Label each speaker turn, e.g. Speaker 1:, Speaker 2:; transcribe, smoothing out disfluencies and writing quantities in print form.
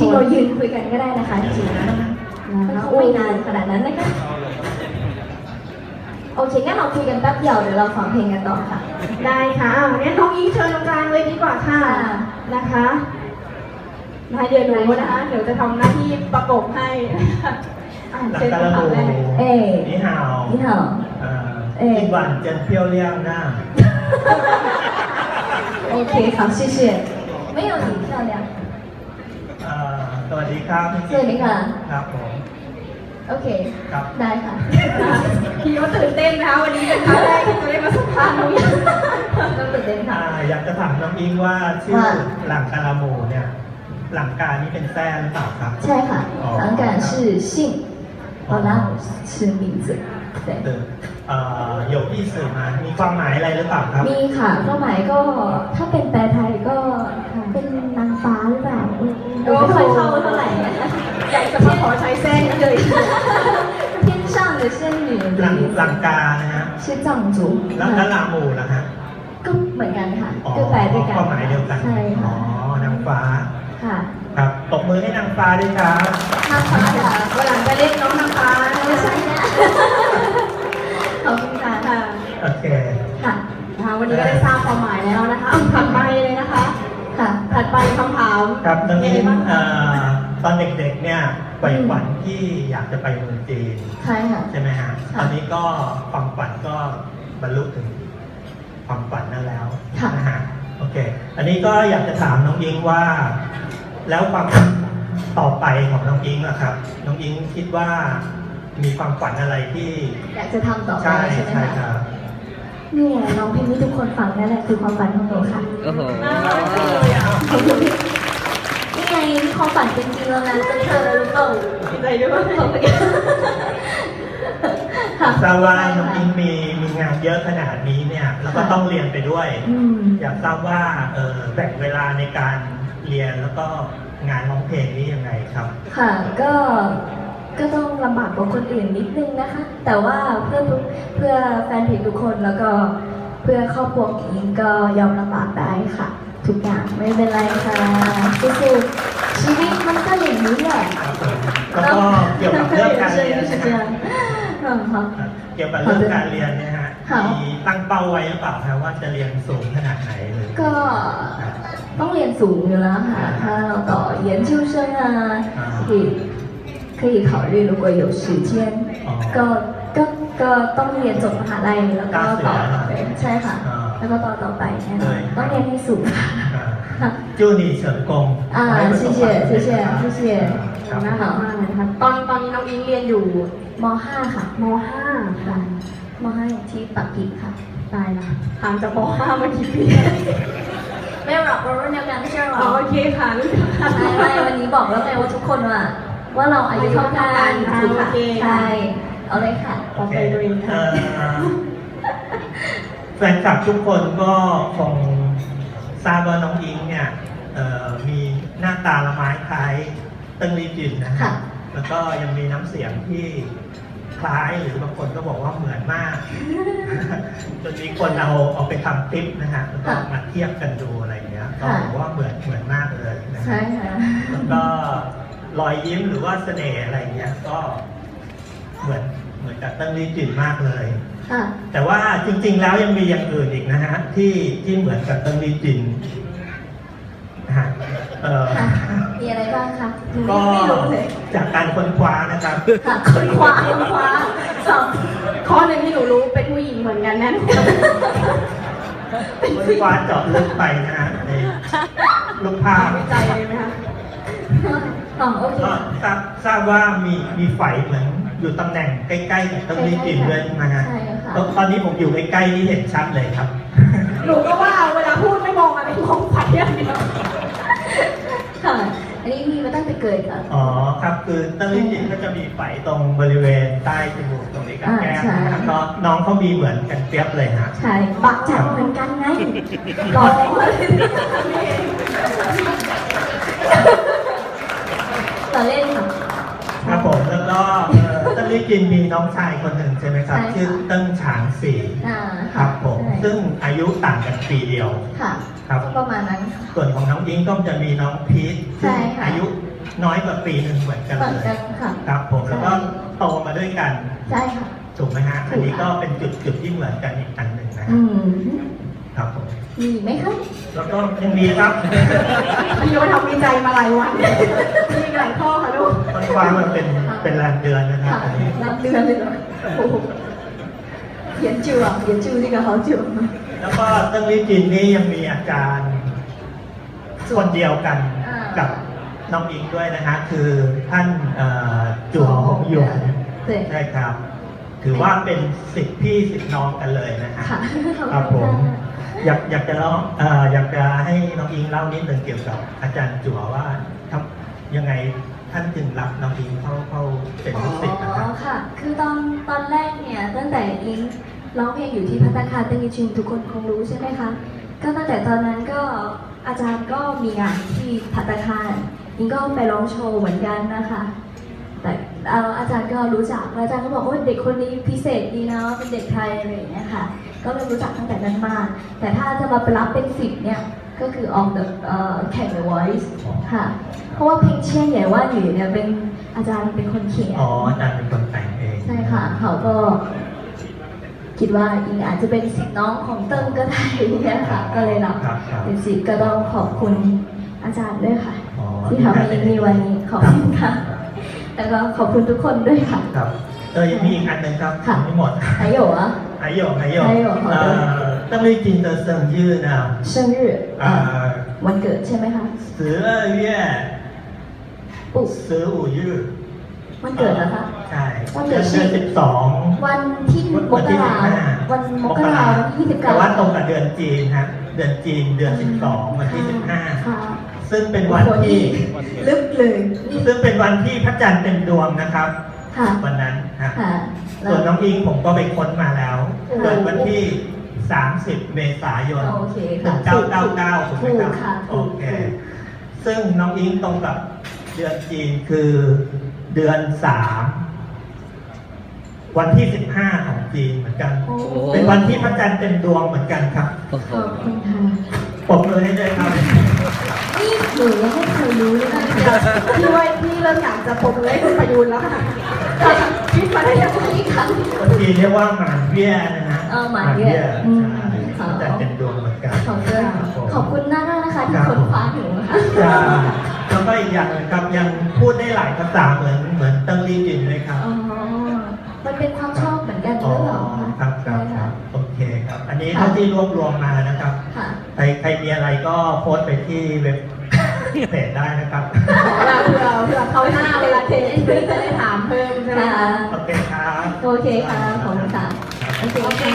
Speaker 1: ริงๆเรายืนคุยกันก็ได้นะคะจริงๆนะไม่นานขนาดนั้นนะคะโอเคงั้นเราคุยกันแป๊บเดียวเดี๋ยวเราฟังเพลงกันต่อค่ะ
Speaker 2: ได้ค่ะงั้นน้องอิงเชิญตรงกลางเลยดีกว่าค่ะนะคะเดี๋ยวหนูนะคะเดี๋ยวจะทำหน้าที่ประกบให้
Speaker 3: เชิญคำถามแรก你好
Speaker 1: 你好
Speaker 3: 今晚真漂亮啊
Speaker 1: OK 好谢谢没有你漂亮
Speaker 3: สวัสดีครับ
Speaker 1: สวัสดีค่ะ
Speaker 3: ครับผม
Speaker 1: โอเค
Speaker 3: ครับ
Speaker 1: ได้ค่ะ
Speaker 2: พี่ก็ตื่นเต้นนะคะวันนี้เป็นครั้งแรกที่จะได้มาสัมภาษณ์น้องอิง
Speaker 1: ต้องตื่นเต้นค่ะ
Speaker 3: อยากจะถามน้องอิงว่าชื่อหลังกาลาโมเนี่ยหลังการนี่เป็นแซ่หรือเปล่าครับ
Speaker 1: ใช่ค่ะหลังการ是姓好啦是名字对
Speaker 3: 有意思吗มีความหมายอะไรหรือเปล่าครับ
Speaker 1: มีค่ะความหมายก็ถ้าเป็นแปลไทยก็เป็นนางฟ้าหรือเปล่าไม่ค่อยเข้าเท่าไหร่
Speaker 2: อยากจะมาขอใช้เส้นเลย
Speaker 1: 天上的仙女
Speaker 3: หลังกานะฮะ
Speaker 1: 是藏族
Speaker 3: แล้วลาโมล่ะฮะ
Speaker 1: ก็เหมือนกันค่ะก็แปลด้วยกัน
Speaker 3: ความหมายเดียวกัน
Speaker 1: ใช่ค่ะ
Speaker 3: นางฟ้า
Speaker 1: ค่ะ
Speaker 3: ครับตบมือให้นางฟ้าด้วยครับ
Speaker 1: นางฟ้าค่ะ
Speaker 2: วันหลังจะเรียกน้องนางฟ้า
Speaker 1: ไม่ใช่นะขอบคุณค่ะ
Speaker 3: โอเค
Speaker 1: ค่ะ
Speaker 2: วันนี้ก็ได้ทราบความหมายแล้วนะคะถัดไปเลยนะคะ
Speaker 1: ค่ะ
Speaker 2: ถัดไปคำถาม
Speaker 3: ครับตอนนี้ตอนเด็กๆเนี่ยใฝ่ฝันที่อยากจะไปเมืองจีน
Speaker 1: ใช่ค่ะ
Speaker 3: ใช่ไหมฮะตอนนี้ก็ความฝันก็บรรลุถึงความฝันนั้นแล้วนะฮะโอเคอันนี้ก็อยากจะถามน้องอิงว่าแล้วความฝันต่อไปของน้องอิงนะครับน้องอิงคิดว่ามีความฝันอะไรที่
Speaker 1: อยากจะทำต่อไปใช่ไหมคะ
Speaker 3: ครับ
Speaker 1: นี่ไงน้องเพลงที่ทุกคนฟังนั่นแหละคือความฝันของหนูค่ะนี่ไงความฝันเป็นจริงแล้วนะเป็นเธอรู้เปล่า
Speaker 2: ใจด้วย
Speaker 3: ทราบว่าน้องอิงมีงานเยอะขนาดนี้เนี่ยแล้วก็ต้องเรียนไปด้วยอยากทราบว่าแบ่งเวลาในการเรียนแล้วก็งานร้องเพลงนี้ยังไงครับ
Speaker 1: ค่ะก็ต้องลำบากกว่าคนอื่นนิดนึงนะคะแต่ว่าเพื่อแฟนเพลงทุกคนแล้วก็เพื่อครอบครัวอิงก็ยอมลำบากได้ค่ะทุกอย่างไม่เป็นไรค่ะสู้ๆชีวิตมันก็อย่างนี้แหละ
Speaker 3: แล้วก็เกี่ยวกับเรื่องการเรียนเกี่ยวกับเรื่องการเรียนเนี่ยฮะมีตั้งเป้าไว้หรือเปล่าคะว่าจะเรียนสูงขนาดไหนเลย
Speaker 1: ก็ต้องเรียนสูงอยู่แล้วค่ะถ้าเราต่อ研究生啊可以考虑如果有时间ก็ต้องเรียนจบมหาลัยแล้วก็ต่อไปใช่ค่ะแล้วก็ต่อไปต้องเรียนให้สูง
Speaker 3: 祝你成功
Speaker 1: 谢谢谢谢谢谢
Speaker 2: น่ารักมากเลยนะคะตอนนี้น้องอิงเรียนอยู่
Speaker 1: ม.5 ค่ะ
Speaker 2: ม.5 ค่ะ
Speaker 1: ม.5 ที่ปักกิ่งค่ะ
Speaker 2: ตายละห่างจากม.5 มากี่ปี
Speaker 1: ไม่หรอกเรารุ่นเดียวกันไม่ใช่หรอ
Speaker 2: โอเคค่ะ
Speaker 1: ไม่วันนี้บอกแล้วไงว่าทุกคนว่าเราอายุเท่ากันใช่เอาเลยค่ะ
Speaker 2: ต่อไปด้วยค่ะ
Speaker 3: แฟนคลับทุกคนก็คงทราบว่าน้องอิงเนี่ยมีหน้าตาละไม้คล้ายเติ้งลี่จินนะครับแล้วก็ยังมีน้ำเสียงที่คล้ายหรือบางคนก็บอกว่าเหมือนมากจนมีคนเอาไปทำคลิปนะฮะแล้วก็มาเทียบกันดูอะไรเงี้ยก็บอกว่าเหมือนมากเลยนะ
Speaker 1: ใช่ค่ะ
Speaker 3: แล้วก็รอยยิ้มหรือว่าเสน่ห์อะไรเงี้ยก็เหมือนกับเติ้งลี่จินมากเลยแต่ว่าจริงๆแล้วยังมีอย่างอื่นอีกนะฮะที่เหมือนกับเติ้งลี่จินนะฮะ
Speaker 1: มีอะไรบ้างคะ
Speaker 3: ก็จากการค้นคว้านะครับ
Speaker 1: ค้นคว้า
Speaker 2: ข้อหนึ่งที่หนูรู้เป็นผู้หญิงเหมือนกันแน่นอน
Speaker 3: ค้นคว้าเจาะลึกไปนะฮะในรูปภาพ
Speaker 2: วิจัยเลยไหมคะ
Speaker 1: โอเค
Speaker 3: ทราบว่ามีไฝเหมือนอยู่ตำแหน่งใกล้ๆกับเติ้งลี่จินด้วยนะฮะตอนนี้ผมอยู่ใกล้ๆนี่เห็นชัดเลยครับ
Speaker 2: หนูก็ว่าเวลาพูดไม่มองอะไรมองไฝอย่างเดียว
Speaker 1: ค่ะอันนี้มีมาตั้งแต่เกิดค่ะ
Speaker 3: อ๋อครับคือเติ้งลี่จินก็จะมีไฝตรงบริเวณใต้จมูกตรงนี้กับแก้มนะครับก็น้องเขามีเหมือนกันเปียบเลยฮะ
Speaker 1: ใช่ปักจัดเหมือนกันไงรอต่อเล่นค่ะ
Speaker 3: ครับผมแล้วก็เติ้งลี่จินมีน้องชายคนหนึ่งใช่ไหมครับชื่อเติ้งฉางสีครับผมซึ่งอายุต่างกันปีเดียว
Speaker 1: ค่ะ
Speaker 3: ครับ
Speaker 1: ประมาณนั้น
Speaker 3: ส่วนของน้องอิงก็จะมีน้องพีทซึ่งอายุน้อยกว่าปีหนึ่งเหมือนกัน
Speaker 1: เหมือน
Speaker 3: เลย
Speaker 1: กันค่ะ
Speaker 3: ครับผมแล้วก็โตมาด้วยกัน
Speaker 1: ใช่ค่ะ
Speaker 3: ถูกไหมฮะ อันนี้ก็เป็นจุดที่เหมือนกันอีกอันหนึ่งนะค
Speaker 1: อื
Speaker 3: รับ
Speaker 1: ม
Speaker 3: ครับผม
Speaker 1: มีไหมคะ
Speaker 3: แล้วก็ยังมีครับ
Speaker 2: พี่โยทำวิจัยมาหลายวัน มีหลายข้อค่ะลูก
Speaker 3: มันวางมาเป็นแรมเดือนนะครับ
Speaker 1: ค่ะ
Speaker 3: อันนี้
Speaker 1: นับเดือนเลยเหรอโอ้โห研究啊研究这个好久
Speaker 3: แล้วก็เติ้งลี่จินนี่ยังมีอาจารย์คนเดียวกันกับน้องอิงด้วยนะฮะคือท่านจั่วหงหยวน
Speaker 1: 对
Speaker 3: ใช่ครับ ถือว่าเป็นสิทธิพี่สิทธิน้องกันเลยนะฮะ
Speaker 1: ค่ะ
Speaker 3: ครับผม อยากจะเล่าอยากจะให้น้องอิงเล่านิดหนึ่งเกี่ยวกับอาจารย์จั่วว่าทำยังไงท่านจึงรับน้องอิงเข้าเป็นลูกศิษย์นะค
Speaker 1: อ๋
Speaker 3: รั
Speaker 1: อบ ค่ะ คือตอนแรกเนี่ยตั้งแต่อิงร้องเพลงอยู่ที่ภัตตาคารตึงอีชินทุกคนคงรู้ใช่ไหมคะ ก็ตั้งแต่ตอนนั้นก็อาจารย์ก็มีงานที่ภัตตาคารอิงก็ไปร้องโชว์เหมือนกันนะคะ แต่อาจารย์ก็รู้จักแล้วอาจารย์ก็บอกว่าเด็กคนนี้พิเศษดีนะเป็นเด็กไทยอะไรอย่างเงี้ยค่ะ ก็เลยรู้จักตั้งแต่นั้นมา แต่ถ้าจะมารับเป็นสิบเนี่ยก็คือออกแบบแข่ง The Voice ค่ะ เพราะว่าเพลงเชี่ยนใหญ่ว่าอยู่เนี่ยเป็นอาจารย์เป็นคนเขียน
Speaker 3: อ๋ออาจารย์เป็นคนแต่งเอง
Speaker 1: ใช่ค่ะ เขาก็คิดว่าอิงอาจจะเป็นสิทธิ์น้องของเติ้งก็ได้เนี่ยค่ะ ก็เลยรับ
Speaker 3: ครับครับ
Speaker 1: เป็นสิทธิ์ก็ต้องขอบคุณอาจารย์ด้วยค่ะ
Speaker 3: อ๋อ
Speaker 1: ที่ทำให้อิงมีวันนี้ขอบคุณค่ะ แล้วก็ขอบคุณทุกคนด้วยค่ะ
Speaker 3: ครับยังมีอีกอันหนึ่งครับ
Speaker 1: ค่ะ
Speaker 3: ยังไม่หมด
Speaker 1: 还有啊
Speaker 3: 还有
Speaker 1: 还有好的
Speaker 3: 邓丽君的生日呢
Speaker 1: 生日วันเกิดใช่ไหมคะ
Speaker 3: 12月
Speaker 1: ปุ๊บ
Speaker 3: 15日
Speaker 1: วันเกิดเหรอคะ
Speaker 3: ใช่
Speaker 1: วันเกิด
Speaker 3: เดือน12
Speaker 1: วันที่มกราวันมกราวันที่29
Speaker 3: แต่ว่าตรงกับเดือนจีนครับเดือนจีนเดือน12วันที่
Speaker 1: ค่ะ
Speaker 3: 15 ซึ่งเป็นวันที่
Speaker 1: ลึกเลย
Speaker 3: ซึ่งเป็นวันที่พระจันทร์เต็มดวงนะครับ
Speaker 1: ค่ะ
Speaker 3: วันนั้นครับ
Speaker 1: ค่ะ
Speaker 3: ส่วนน้องอิงผมก็ไปค้นมาแล้ว
Speaker 1: ค่ะ
Speaker 3: เกิดวันที่ 30 เมษายน
Speaker 1: โอเคค่ะ
Speaker 3: 1999ถูกไหมครับ
Speaker 1: ถูกค่ะ
Speaker 3: โอ
Speaker 1: ถูก
Speaker 3: เค ซึ่งน้องอิงตรงกับเดือนจีนคือเดือน 3 วันที่ 15 ของจีนเหมือนกัน
Speaker 1: โอ้
Speaker 3: เป็นวันที่พระจันทร์เต็มดวงเหมือนกันครับ
Speaker 1: ขอบคุณค่ะ
Speaker 3: ปรบมือให้ด้วยครับ
Speaker 1: นี่หนูยังไม่เคยรู้เลยนะ
Speaker 2: พี่ว่าพี่เริ่มอยากจะปรบมือให้คุณประยูนแล้วค่ะคิดมาได้ยังไง
Speaker 1: นี่ค่ะ
Speaker 3: คนจีนเรียกว่าหมานเบี้ยนะฮะ
Speaker 1: หมานเบี้ยอืม
Speaker 3: ใช่พระจันทร์เต็มดวงเหมือนกัน
Speaker 1: ขอบคุณขอบคุณมากนะคะที่ค้นคว้าหนูค่ะ
Speaker 3: จ้าแล้วก็อีกอย่างหนึงครับยังพูดได้หลายภาษาเหมือนเติ้งลี่จินเลยครับ
Speaker 1: อ๋อ มันเป็นความชอบเหมือนกัน
Speaker 3: อ๋
Speaker 1: ด้
Speaker 3: อ
Speaker 1: วยเหรอคะ
Speaker 3: ครับครับครับโอเคครับ อันนี้เท่าที่รวบรวมมานะครับ
Speaker 1: ค่ะ
Speaker 3: ใครมีอะไรก็โพสต์ไปที่เว็บเพจได้นะครับ
Speaker 2: เผื่อเขาหน้าเวลาเทสจะได้ถามเพิ่มใช่ไหม
Speaker 1: ค่ะ
Speaker 2: คะ
Speaker 3: โอเคครับ
Speaker 1: โอเคค่ะ ขอบคุณค่ะ โอเคค่ะ